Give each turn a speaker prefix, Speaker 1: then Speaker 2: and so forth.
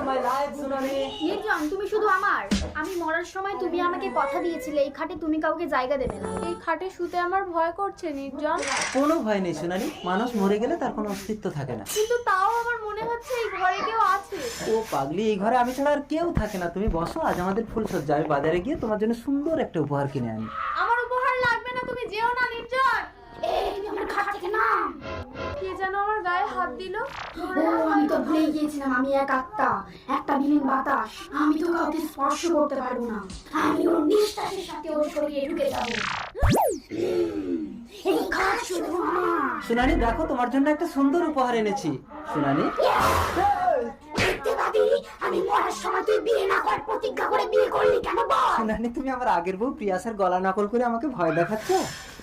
Speaker 1: My life সুনানি।
Speaker 2: নির্জন, তুমি শুধু আমার। আমি মরার সময় তুমি আমাকে কথা দিয়েছিলে এই খাটে তুমি কাউকে জায়গা দেবে না।
Speaker 3: এই খাটে শুতে আমার ভয় করছে নির্জন।
Speaker 1: কোনো ভয় নেই সুনানি, মানুষ মরে গেলে তার কোনো অস্তিত্ব থাকে না।
Speaker 3: কিন্তু তাও আমার মনে হচ্ছে এই ঘরে কেউ আছে।
Speaker 1: ও পাগলি, এই ঘরে আমি ছাড়া আর কেউ থাকে না। তুমি বসো, আজ আমাদের ফুলসজ্জা। আমি বাজারে গিয়ে তোমার জন্য সুন্দর একটা উপহার কিনে আনি।
Speaker 3: আমার উপহার লাগবে না, তুমি যেও না নির্জন।
Speaker 2: এই তুমি আমার খাট থেকে নাম।
Speaker 3: কে যেন আমার গায়ে হাত দিল।
Speaker 2: আমি তো ভুলে গিয়েছিলাম আমি এক আত্মা, একটা বিলীন বাতাস। আমি তো কাউকে স্পর্শ করতে পারবো না। আমি ওর নিঃশ্বাসের সাথে ওর শরীরে ঢুকে যাবো। এই খাট শুধু আমার।
Speaker 1: সুনানি দেখো, তোমার জন্য একটা সুন্দর উপহার এনেছি। সুনানি,
Speaker 2: দেখতে পাবি আমি মরার সময় তুই বিয়ে না করার প্রতিজ্ঞা করে বিয়ে করলি কেন বল?
Speaker 1: সুনানি তুমি আমার আগের বউ প্রিয়াসের গলা নকল করে আমাকে ভয় দেখাচ্ছ।